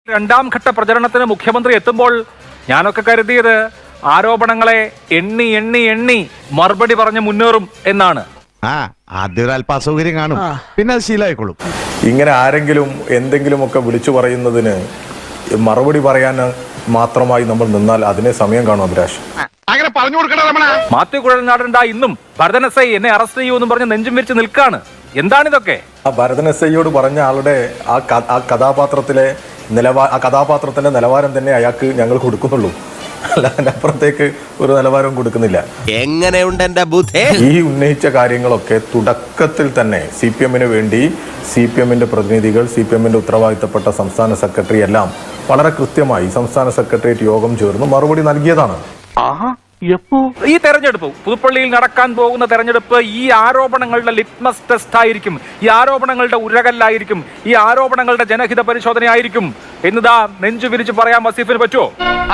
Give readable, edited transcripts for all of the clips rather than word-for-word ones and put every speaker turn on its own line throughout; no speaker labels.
രണ്ടാം ഘട്ട പ്രചരണത്തിന് മുഖ്യമന്ത്രി എത്തുമ്പോൾ ഞാനൊക്കെ കരുതിയത് ആരോപണങ്ങളെ എണ്ണി എണ്ണി എണ്ണി മറുപടി പറഞ്ഞ് മുന്നേറും എന്നാണ്.
ആദ്യം ഒരു അല്പ അസൗകര്യം കാണും, പിന്നെ അത് ശീലമായിക്കോളും.
ഇങ്ങനെ ആരെങ്കിലും എന്തെങ്കിലുമൊക്കെ വിളിച്ചു പറയുന്നതിന് മറുപടി പറയാൻ മാത്രമായി നമ്മൾ നിന്നാൽ അതിനെ സമയം കാണും. അഭിലാഷ്
മാത്യു കുഴൽനാടൻ ഇന്നും ഭരതൻ എസ് ഐ എന്നെ അറസ്റ്റ് ചെയ്യൂ എന്ന് പറഞ്ഞ് നെഞ്ചും വിരിച്ച് നിൽക്കാണ്. എന്താണിതൊക്കെ?
ആ ഭരതൻ എസ് ഐയോട് പറഞ്ഞ ആളുടെ ആ കഥാപാത്രത്തിന്റെ നിലവാരം തന്നെ അയാൾക്ക് ഞങ്ങൾ കൊടുക്കുന്നുള്ളൂ, അല്ല അതിനപ്പുറത്തേക്ക് ഒരു നിലവാരവും കൊടുക്കുന്നില്ല.
എങ്ങനെയുണ്ട് എന്റെ ബുദ്ധി?
ഈ ഉന്നയിച്ച കാര്യങ്ങളൊക്കെ തുടക്കത്തിൽ തന്നെ CPM-ന് വേണ്ടി CPM-ന്റെ പ്രതിനിധികൾ, CPM-ന്റെ ഉത്തരവാദിത്തപ്പെട്ട സംസ്ഥാന സെക്രട്ടറി എല്ലാം വളരെ കൃത്യമായി സംസ്ഥാന സെക്രട്ടേറിയറ്റ് യോഗം ചേർന്ന് മറുപടി നൽകിയതാണ്.
ഈ തെരഞ്ഞെടുപ്പ്, പുതുപ്പള്ളിയിൽ നടക്കാൻ പോകുന്ന തെരഞ്ഞെടുപ്പ് ഈ ആരോപണങ്ങളുടെ ലിറ്റ്മസ് ടെസ്റ്റ് ആയിരിക്കും, ഈ ആരോപണങ്ങളുടെ ഉരകല്ലായിരിക്കും, ഈ ആരോപണങ്ങളുടെ ജനഹിത പരിശോധനയായിരിക്കും എന്നതാ നെഞ്ചു വിരിച്ച് പറയാൻ വസീഫിന് പറ്റുമോ?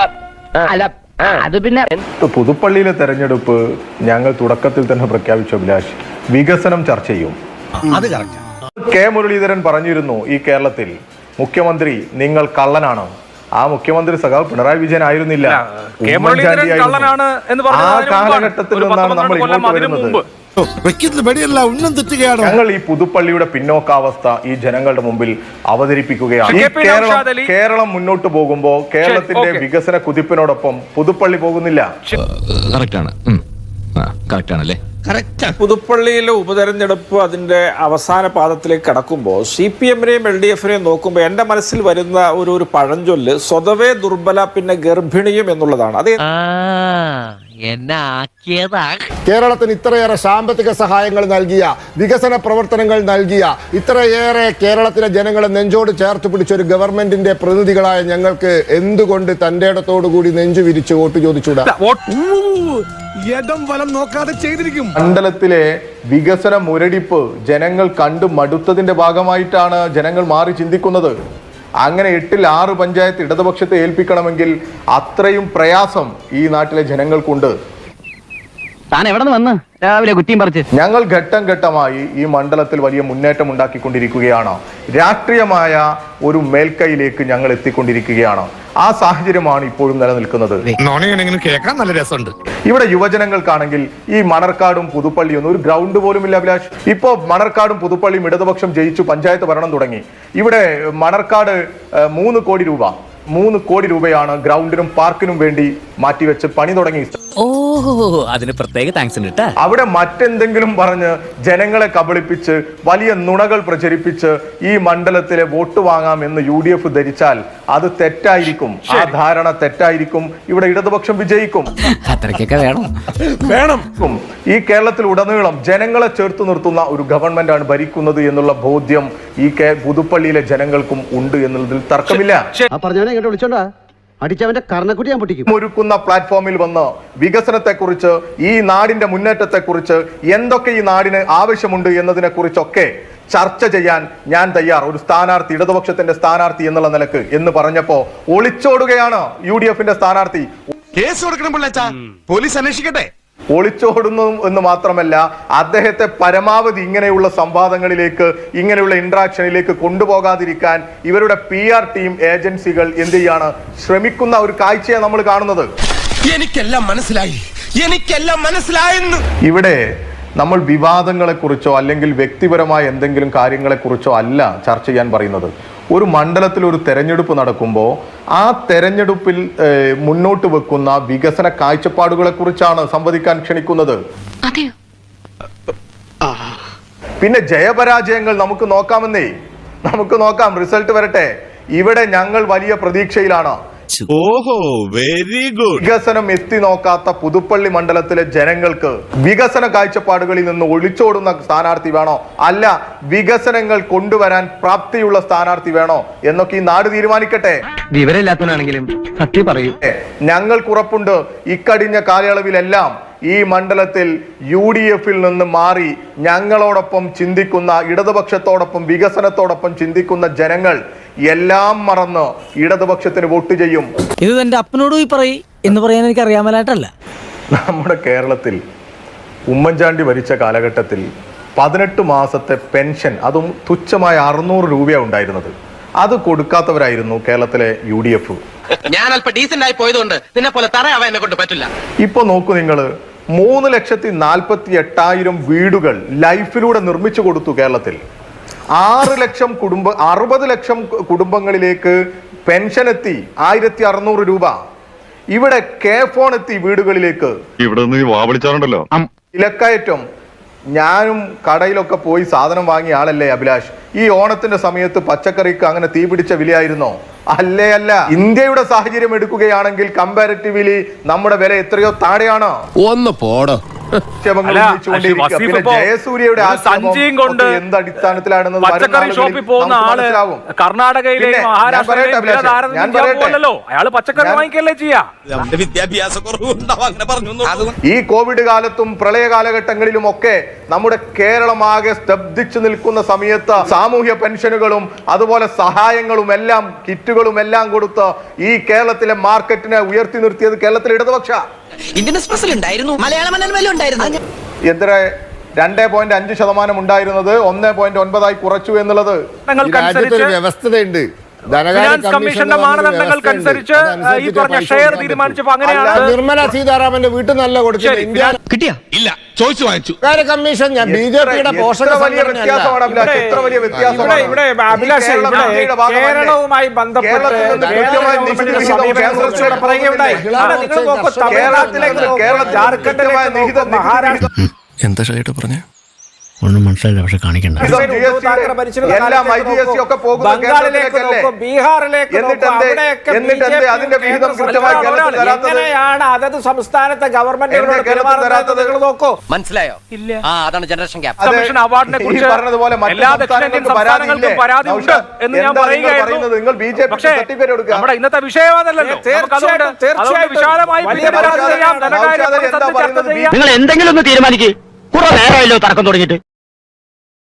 അത് പിന്നെ
പുതുപ്പള്ളിയിലെ തെരഞ്ഞെടുപ്പ് ഞങ്ങൾ തുടക്കത്തിൽ തന്നെ പ്രഖ്യാപിച്ച അഭിലാഷ്, വികസനം ചർച്ച ചെയ്യും. കെ മുരളീധരൻ പറഞ്ഞിരുന്നു, ഈ കേരളത്തിൽ മുഖ്യമന്ത്രി നിങ്ങൾ കള്ളനാണ്. ആ മുഖ്യമന്ത്രി സഖാവ് പിണറായി വിജയൻ ആയിരുന്നില്ല, ആ കാലഘട്ടത്തിൽ നിന്നാണ് നമ്മൾ ഇങ്ങോട്ട് വരുന്നത്. ഞങ്ങൾ ഈ പുതുപ്പള്ളിയുടെ പിന്നോക്കാവസ്ഥ ഈ ജനങ്ങളുടെ മുമ്പിൽ അവതരിപ്പിക്കുകയാണ്. ഈ കേരളം മുന്നോട്ട് പോകുമ്പോ കേരളത്തിന്റെ വികസന കുതിപ്പിനോടൊപ്പം പുതുപ്പള്ളി പോകുന്നില്ല.
പുതുപ്പള്ളിയിലെ ഉപതെരഞ്ഞെടുപ്പ് അതിന്റെ അവസാന പാദത്തിലേക്ക് കടക്കുമ്പോൾ CPM-നെയും LDF-നെയും നോക്കുമ്പോൾ എന്റെ മനസ്സിൽ വരുന്ന ഒരു പഴഞ്ചൊല്ല് സ്വതവേ ദുർബല പിന്നെ ഗർഭിണിയും എന്നുള്ളതാണ്. അത്
കേരളത്തിന് ഇത്രയേറെ സാമ്പത്തിക സഹായങ്ങൾ നൽകിയ, വികസന പ്രവർത്തനങ്ങൾ നൽകിയ, ഇത്രയേറെ കേരളത്തിലെ ജനങ്ങളെ നെഞ്ചോട് ചേർത്ത് പിടിച്ച ഒരു ഗവൺമെന്റിന്റെ പ്രതിനിധികളായ ഞങ്ങൾക്ക് എന്തുകൊണ്ട് തന്റെ ഇടത്തോടു കൂടി നെഞ്ചു വിരിച്ച് വോട്ട് ചോദിച്ചൂടാ?
മണ്ഡലത്തിലെ വികസന മുരടിപ്പ് ജനങ്ങൾ കണ്ടു മടുത്തതിന്റെ ഭാഗമായിട്ടാണ് ജനങ്ങൾ മാറി ചിന്തിക്കുന്നത്. അങ്ങനെ 8-ൽ 6 പഞ്ചായത്ത് ഇടതുപക്ഷത്തെ ഏൽപ്പിക്കണമെങ്കിൽ അത്രയും പ്രയാസം ഈ നാട്ടിലെ ജനങ്ങൾക്കുണ്ട്.
താൻ എവിടെ നിന്ന് വന്ന് രാവിലെ കുറ്റിയും പറിച്ച്?
ഞങ്ങൾ ഘട്ടം ഘട്ടമായി ഈ മണ്ഡലത്തിൽ വലിയ മുന്നേറ്റം ഉണ്ടാക്കിക്കൊണ്ടിരിക്കുകയാണ്. രാഷ്ട്രീയമായ ഒരു മേൽക്കൈയിലേക്ക് ഞങ്ങൾ എത്തിക്കൊണ്ടിരിക്കുകയാണ്. ആ സാഹചര്യമാണ് ഇപ്പോഴും നിലനിൽക്കുന്നത്. ഇവിടെ യുവജനങ്ങൾക്കാണെങ്കിൽ ഈ മണർക്കാടും പുതുപ്പള്ളിയൊന്നും ഒരു ഗ്രൗണ്ട് പോലും ഇല്ല അഭിലാഷ്. ഇപ്പോ മണർക്കാടും പുതുപ്പള്ളിയും ഇടതുപക്ഷം ജയിച്ചു പഞ്ചായത്ത് ഭരണം തുടങ്ങി. ഇവിടെ മണർക്കാട് 3 കോടി രൂപയാണ് ഗ്രൗണ്ടിനും പാർക്കിനും വേണ്ടി മാറ്റിവെച്ച് പണി തുടങ്ങി.
അതിന് പ്രത്യേക താങ്ക്സ് ഉണ്ട്.
അവിടെ മറ്റെന്തെങ്കിലും പറഞ്ഞ് ജനങ്ങളെ കബളിപ്പിച്ച് വലിയ നുണകൾ പ്രചരിപ്പിച്ച് ഈ മണ്ഡലത്തിലെ വോട്ട് വാങ്ങാം എന്ന് UDF ധരിച്ചാൽ അത് തെറ്റായിരിക്കും. ആ ധാരണ തെറ്റായിരിക്കും. ഇവിടെ ഇടതുപക്ഷം വിജയിക്കും. വേണം. ഈ കേരളത്തിൽ ഉടനീളം ജനങ്ങളെ ചേർത്ത് നിർത്തുന്ന ഒരു ഗവൺമെന്റാണ് ഭരിക്കുന്നത് എന്നുള്ള ബോധ്യം ഈ പുതുപ്പള്ളിയിലെ ജനങ്ങൾക്കും ഉണ്ട് എന്നുള്ളതിൽ തർക്കമില്ല. ഒരുക്കുന്ന പ്ലാറ്റ്ഫോമിൽ വന്ന് വികസനത്തെക്കുറിച്ച്, ഈ നാടിന്റെ മുന്നേറ്റത്തെക്കുറിച്ച്, എന്തൊക്കെ ഈ നാടിന് ആവശ്യമുണ്ട് എന്നതിനെ കുറിച്ചൊക്കെ ചർച്ച ചെയ്യാൻ ഞാൻ തയ്യാർ, ഒരു സ്ഥാനാർത്ഥി, ഇടതുപക്ഷത്തിന്റെ സ്ഥാനാർത്ഥി എന്നുള്ള നിലക്ക് എന്ന് പറഞ്ഞപ്പോ ഒളിച്ചോടുകയാണ് UDF-ന്റെ സ്ഥാനാർത്ഥി.
കേസ് കൊടുക്കണം, പോലീസ് അന്വേഷിക്കട്ടെ.
ഒളിച്ചോടുന്നു എന്ന് മാത്രമല്ല, അദ്ദേഹത്തെ പരമാവധി ഇങ്ങനെയുള്ള സംവാദങ്ങളിലേക്ക്, ഇങ്ങനെയുള്ള ഇന്ററാക്ഷനിലേക്ക് കൊണ്ടുപോകാതിരിക്കാൻ ഇവരുടെ PR ടീം, ഏജൻസികൾ എന്ത് ചെയ്യാണ്, ശ്രമിക്കുന്ന ഒരു കാഴ്ചയാണ് നമ്മൾ കാണുന്നത്.
എനിക്കെല്ലാം മനസ്സിലായെന്ന്.
ഇവിടെ നമ്മൾ വിവാദങ്ങളെക്കുറിച്ചോ അല്ലെങ്കിൽ വ്യക്തിപരമായ എന്തെങ്കിലും കാര്യങ്ങളെക്കുറിച്ചോ അല്ല ചർച്ച ചെയ്യാൻ പറയുന്നത്. ഒരു മണ്ഡലത്തിൽ ഒരു തെരഞ്ഞെടുപ്പ് നടക്കുമ്പോൾ ആ തെരഞ്ഞെടുപ്പിൽ മുന്നോട്ട് വെക്കുന്ന വികസന കാഴ്ചപ്പാടുകളെ കുറിച്ചാണ് സംവദിക്കാൻ ക്ഷണിക്കുന്നത്. പിന്നെ ജയപരാജയങ്ങൾ നമുക്ക് നോക്കാം, റിസൾട്ട് വരട്ടെ. ഇവിടെ ഞങ്ങൾ വലിയ പ്രതീക്ഷയിലാണ്.
Very good.
വികസനം എത്തി നോക്കാത്ത പുതുപ്പള്ളി മണ്ഡലത്തിലെ ജനങ്ങൾക്ക് വികസന കാഴ്ചപ്പാടുകളിൽ നിന്ന് ഒളിച്ചോടുന്ന സ്ഥാനാർത്ഥി വേണോ, അല്ല വികസനങ്ങൾ കൊണ്ടുവരാൻ പ്രാപ്തിയുള്ള സ്ഥാനാർത്ഥി വേണോ എന്നൊക്കെ ഈ നാട് തീരുമാനിക്കട്ടെ.
വിവരമില്ലാത്തവനാണെങ്കിലും സത്യം പറയൂ.
ഞങ്ങൾക്ക് ഉറപ്പുണ്ട്, ഇക്കഴിഞ്ഞ കാലയളവിലെല്ലാം ഈ മണ്ഡലത്തിൽ UDF-ൽ നിന്ന് മാറി ഞങ്ങളോടൊപ്പം ചിന്തിക്കുന്ന, ഇടതുപക്ഷത്തോടൊപ്പം വികസനത്തോടൊപ്പം ചിന്തിക്കുന്ന ജനങ്ങൾ എല്ലാം മറന്ന് ഇടതുപക്ഷത്തിന് വോട്ട് ചെയ്യും.
ഇത് എന്റെ അപ്പനോട് പോയി പറയും എന്ന് പറയാൻ എനിക്ക് അറിയാമലായിട്ടല്ല.
നമ്മുടെ കേരളത്തിൽ ഉമ്മൻചാണ്ടി ഭരിച്ച കാലഘട്ടത്തിൽ 18 മാസത്തെ പെൻഷൻ, അതും തുച്ഛമായ 600 രൂപയാണ് ഉണ്ടായിരുന്നത്. അത് കൊടുക്കാത്തവരായിരുന്നു കേരളത്തിലെ UDF.
ഞാൻ അല്പം ഡീസന്റ് ആയി പോയതുകൊണ്ട് നിന്നെ പോലെ തറയാവാൻ എന്നെ കൊണ്ട് പറ്റില്ല.
ഇപ്പൊ നോക്കൂ നിങ്ങൾ, 3,48,000 വീടുകൾ ലൈഫിലൂടെ നിർമ്മിച്ചു കൊടുത്തു കേരളത്തിൽ. 60 ലക്ഷം കുടുംബങ്ങളിലേക്ക് പെൻഷൻ എത്തി 1,600 രൂപ. ഇവിടെ ഫോൺ എത്തി വീടുകളിലേക്ക്.
ഇവിടെ നിന്ന് വാവിളിച്ചാറുണ്ടല്ലോ.
വിലക്കയറ്റം. ഞാനും കടയിലൊക്കെ പോയി സാധനം വാങ്ങിയ ആളല്ലേ അഭിലാഷ്. ഈ ഓണത്തിന്റെ സമയത്ത് പച്ചക്കറിക്ക് അങ്ങനെ തീ പിടിച്ച വിലയായിരുന്നോ? അല്ലേ അല്ല. ഇന്ത്യയുടെ സാഹചര്യം എടുക്കുകയാണെങ്കിൽ കമ്പാരിറ്റീവ്ലി നമ്മുടെ വില എത്രയോ താഴെയാണ്.
ഒന്ന് പോടോ.
പിന്നെ ജയസൂര്യയുടെ
സഞ്ചിയും കൊണ്ട്
എന്തടിസ്ഥാനത്തിലാണെന്ന്
പച്ചക്കറി ഷോപ്പിൽ പോകുന്ന ആള് കർണാടകയിലെ മഹാരാഷ്ട്രയിലല്ലോ, അയാള് പച്ചക്കറി വാങ്ങിക്കല്ലേ ചെയ്യാ.
വിദ്യാഭ്യാസ കുറവുണ്ടാവും അങ്ങനെ പറഞ്ഞു.
ഈ കോവിഡ് കാലത്തും പ്രളയ കാലഘട്ടങ്ങളിലും ഒക്കെ നമ്മുടെ കേരളമാകെ സ്തബ്ധിച്ചു നിൽക്കുന്ന സമയത്ത് സാമൂഹ്യ പെൻഷനുകളും അതുപോലെ സഹായങ്ങളും എല്ലാം കിറ്റുകളും എല്ലാം കൊടുത്ത് ഈ കേരളത്തിലെ മാർക്കറ്റിനെ ഉയർത്തി നിർത്തിയത് കേരളത്തിലെ ഇടതുപക്ഷ.
ഇന്ത്യൻ എക്സ്പ്രസിൽ ഉണ്ടായിരുന്നു, മലയാള മനോരമയിലും ഉണ്ടായിരുന്നു.
എത്ര 2.5% ഉണ്ടായിരുന്നത് 1.9 കുറച്ചു എന്നുള്ളത്.
വ്യവസ്ഥതയുണ്ട്.
ഫിനാൻസ് കമ്മീഷന്റെ മാനദണ്ഡങ്ങൾക്കനുസരിച്ച് ഈ പറഞ്ഞ ഷെയർ തീരുമാനിച്ചപ്പോ അങ്ങനെയാണ്.
നിർമ്മല സീതാരാമന്റെ വീട്ടിൽ നല്ല കൊടുക്കുന്നത്. ഇന്ത്യ
കിട്ടിയാ ഇല്ല, ചോദിച്ചു വാങ്ങിച്ചു.
കമ്മീഷൻ ഞാൻ BJPയുടെ പോഷക
കേരളവുമായി ബന്ധപ്പെട്ട് മഹാരാഷ്ട്ര
എന്താ ഷൈട്ട് പറഞ്ഞേ?
ഒന്നും മനസ്സിലായില്ല, പക്ഷെ കാണിക്കണ്ട.
എങ്ങനെയാണ് അതത് സംസ്ഥാനത്തെ ഗവൺമെന്റുകളോട് നോക്കൂ.
മനസ്സിലായോ? ഇല്ല. അതാണ് ജനറേഷൻ ഗ്യാപ്പ്.
കമ്മീഷൻ അവാർഡിനെ കുറിച്ച് എല്ലാ ദക്ഷിണേന്ത്യൻ സംസ്ഥാനങ്ങൾക്കും പരാതി ഉണ്ട് എന്ന് ഞാൻ പറയുകയായിരുന്നു. പക്ഷേ നമ്മുടെ ഇന്നത്തെ വിഷയമാണല്ലോ. തീർച്ചയായും വിശാലമായി
നിങ്ങൾ എന്തെങ്കിലും ഒന്ന് തീരുമാനിക്കേ. കുറെ നേരമായല്ലോ തർക്കം തുടങ്ങിയിട്ട്.